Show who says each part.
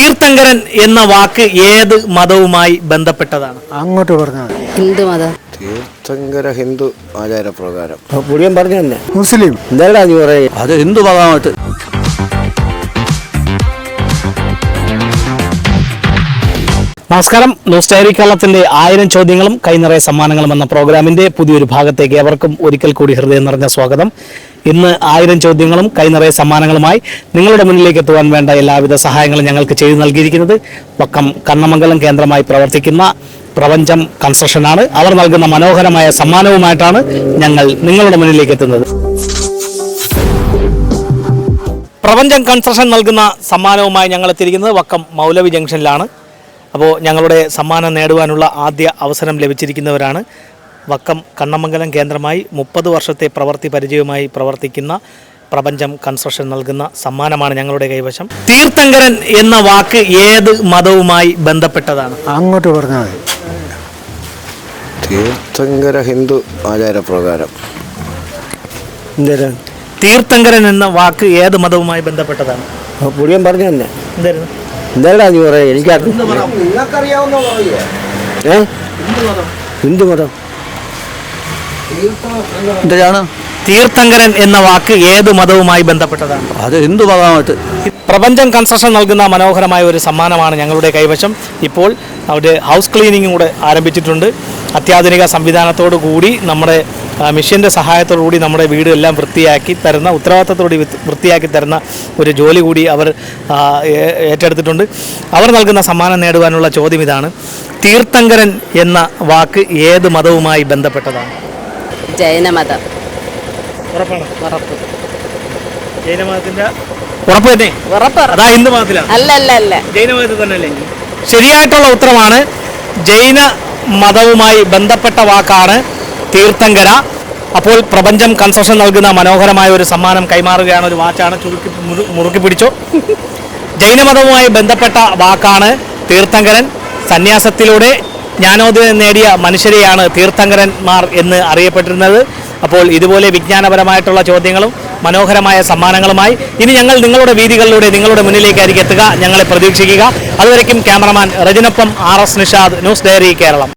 Speaker 1: തീർത്ഥങ്കരൻ എന്ന വാക്ക് ഏത് മതവുമായി ബന്ധപ്പെട്ടതാണ്?
Speaker 2: അങ്ങോട്ട് പറഞ്ഞാൽ
Speaker 3: ഹിന്ദു മതം.
Speaker 4: തീർത്ഥങ്കര ഹിന്ദു ആചാരപ്രകാരം.
Speaker 2: പുള്ളിയൻ പറഞ്ഞു തന്നെ മുസ്ലിം എന്താ നീ പറയുക?
Speaker 4: അത് ഹിന്ദു മതമായിട്ട്.
Speaker 1: നമസ്കാരം. ന്യൂസ് ഡയറി കേരളത്തിന്റെ 1000 ചോദ്യങ്ങളും കൈനിറയ സമ്മാനങ്ങളും എന്ന പ്രോഗ്രാമിന്റെ പുതിയൊരു ഭാഗത്തേക്ക് ഏവർക്കും ഒരിക്കൽ കൂടി ഹൃദയം നിറഞ്ഞ സ്വാഗതം. ഇന്ന് 1000 ചോദ്യങ്ങളും കൈനിറയ സമ്മാനങ്ങളുമായി നിങ്ങളുടെ മുന്നിലേക്ക് എത്തുവാൻ വേണ്ട എല്ലാവിധ സഹായങ്ങളും ഞങ്ങൾക്ക് ചെയ്തു നൽകിയിരിക്കുന്നത് വക്കം കണ്ണമംഗലം കേന്ദ്രമായി പ്രവർത്തിക്കുന്ന പ്രപഞ്ചം കൺസ്ട്രക്ഷനാണ്. അവർ നൽകുന്ന മനോഹരമായ സമ്മാനവുമായിട്ടാണ് ഞങ്ങൾ നിങ്ങളുടെ മുന്നിലേക്ക് എത്തുന്നത്. പ്രപഞ്ചം കൺസ്ട്രക്ഷൻ നൽകുന്ന സമ്മാനവുമായി ഞങ്ങൾ എത്തിയിരിക്കുന്നത് വക്കം മൗലവി ജംഗ്ഷനിലാണ്. അപ്പോൾ ഞങ്ങളുടെ സമ്മാനം നേടുവാനുള്ള ആദ്യ അവസരം ലഭിച്ചിരിക്കുന്നവരാണ് വക്കം കണ്ണമംഗലം കേന്ദ്രമായി 30 വർഷത്തെ പ്രവൃത്തി പരിചയവുമായി പ്രവർത്തിക്കുന്ന പ്രപഞ്ചം കൺസ്ട്രക്ഷൻ നൽകുന്ന സമ്മാനമാണ് ഞങ്ങളുടെ കൈവശം. തീർത്ഥങ്കരൻ എന്ന വാക്ക് ഏത് മതവുമായി ബന്ധപ്പെട്ടതാണ്?
Speaker 2: അങ്ങോട്ട് പറഞ്ഞാൽ
Speaker 4: തീർത്ഥങ്കര ഹിന്ദു ആചാരപ്രകാരം.
Speaker 2: എന്താ
Speaker 1: തീർത്ഥങ്കരൻ എന്ന വാക്ക് ഏത് മതവുമായി ബന്ധപ്പെട്ടതാണ്?
Speaker 2: പുള്ളിയൻ പറഞ്ഞു തന്നെ
Speaker 1: എന്തായിരുന്നു?
Speaker 2: എന്താ നീ പറയുക? എനിക്കറിയാം. ഹിന്ദു മതം
Speaker 4: എന്താണ്
Speaker 1: തീർത്ഥങ്കരൻ എന്ന വാക്ക് ഏത് മതവുമായി ബന്ധപ്പെട്ടതാണ്?
Speaker 4: അത് ഹിന്ദു മതമായിട്ട്.
Speaker 1: പ്രപഞ്ചം കൺസ്ട്രക്ഷൻ നൽകുന്ന മനോഹരമായ ഒരു സമ്മാനമാണ് ഞങ്ങളുടെ കൈവശം. ഇപ്പോൾ അവിടെ ഹൗസ് ക്ലീനിങ്ങും കൂടെ ആരംഭിച്ചിട്ടുണ്ട്. അത്യാധുനിക സംവിധാനത്തോടു കൂടി നമ്മുടെ മിഷ്യൻ്റെ സഹായത്തോടു കൂടി നമ്മുടെ വീട് എല്ലാം വൃത്തിയാക്കി തരുന്ന, ഉത്തരവാദിത്തത്തോടെ വൃത്തിയാക്കി തരുന്ന ഒരു ജോലി കൂടി അവർ ഏറ്റെടുത്തിട്ടുണ്ട്. അവർ നൽകുന്ന സമ്മാനം നേടുവാനുള്ള ചോദ്യം ഇതാണ്: തീർത്ഥങ്കരൻ എന്ന വാക്ക് ഏത് മതവുമായി ബന്ധപ്പെട്ടതാണ്?
Speaker 3: ജൈനമതം.
Speaker 1: ഉറപ്പാണ്?
Speaker 3: ഉറപ്പ്.
Speaker 1: ജൈനമതത്തിന്റെ ഉറപ്പ് തന്നെ?
Speaker 3: ഉറപ്പ്.
Speaker 1: അതാ ഹിന്ദു മതത്തിലാണ്?
Speaker 3: അല്ല.
Speaker 1: ജൈനമതത്തിൽ തന്നെ അല്ലേ? ശരിയായിട്ടുള്ള ഉത്തരമാണ്. ജൈന മതവുമായി ബന്ധപ്പെട്ട വാക്കാണ് തീർത്ഥങ്കര. അപ്പോൾ പ്രപഞ്ചം കൺസ്ട്രക്ഷൻ നൽകുന്ന മനോഹരമായ ഒരു സമ്മാനം കൈമാറുകയാണ്. ഒരു വാച്ചാണ്, മുറുക്കി പിടിച്ചോ. ജൈനമതവുമായി ബന്ധപ്പെട്ട വാക്കാണ് തീർത്ഥങ്കരൻ. സന്യാസത്തിലൂടെ ജ്ഞാനോദയം നേടിയ മനുഷ്യരെയാണ് തീർത്ഥങ്കരന്മാർ എന്ന് അറിയപ്പെട്ടിരുന്നത്. അപ്പോൾ ഇതുപോലെ വിജ്ഞാനപരമായിട്ടുള്ള ചോദ്യങ്ങളും മനോഹരമായ സമ്മാനങ്ങളുമായി ഇനി ഞങ്ങൾ നിങ്ങളുടെ വീതികളിലൂടെ നിങ്ങളുടെ മുന്നിലേക്കായിരിക്കും എത്തുക. ഞങ്ങളെ പ്രതീക്ഷിക്കുക. അതുവരയ്ക്കും ക്യാമറമാൻ റജിനൊപ്പം RS Nishad, news diary Keralam.